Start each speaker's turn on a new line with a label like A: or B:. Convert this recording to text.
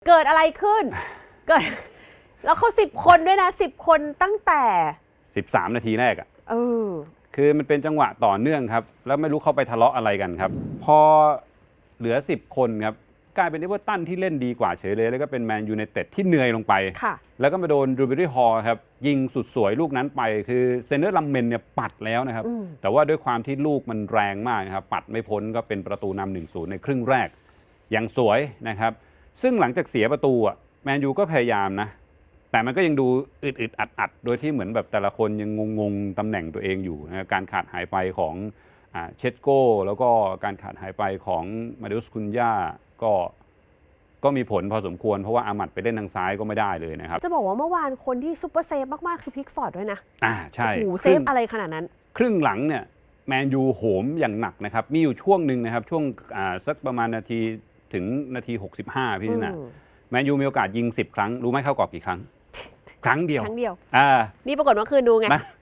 A: เกิดอะไรขึ้น เกิดแล้วเขา10 คนด้วยนะ10 คนตั้งแต่
B: 13 นาทีแรกอ่ะ
A: อ
B: คือมันเป็นจังหวะต่อเนื่องครับแล้วไม่รู้เขาไปทะเลาะอะไรกันครับพอเหลือ10 คนครับกลายเป็นเอเวอร์ตันที่เล่นดีกว่าเฉยเลยแล้วก็เป็นแมนยูไนเต็ดที่เหนื่อยลงไปแล้วก็มาโดนรูเบอรี่ฮอลครับยิงสุดสวยลูกนั้นไปคือเซนเนอร์ลัมเมนเนี่ยปัดแล้วนะครับแต่ว่าด้วยความที่ลูกมันแรงมากครับปัดไม่พ้นก็เป็นประตูนำ 1-0 ในครึ่งแรกอย่างสวยนะครับซึ่งหลังจากเสียประตูอ่ะแมนยูก็พยายามนะแต่มันก็ยังดูอึดอัดโดยที่เหมือนแบบแต่ละคนยังงงตำแหน่งตัวเองอยู่นะการขาดหายไปของเชสโก้แล้วก็การขาดหายไปของมาเดอุสคุนย่าก็มีผลพอสมควรเพราะว่าอามัดไปเล่นทางซ้ายก็ไม่ได้เลยนะครับ
A: จะบอกว่าเมื่อวานคนที่ซุปเปอร์เซฟมากๆคือพิกฟอร์ดด้วยนะ
B: ใช่
A: โอ้โหเซฟอะไรขนาดนั้น
B: ครึ่งหลังเนี่ยแมนยูโหมอย่างหนักนะครับมีอยู่ช่วงหนึ่งนะครับช่วงสักประมาณนาทีถึงนาที65พี่นะแมนยูมีโอกาสยิง10 ครั้งรู้ไหมเข้ากรอบกี่ครั้งครั้งเดียว
A: นี่ปรากฏว่าคืนดูไง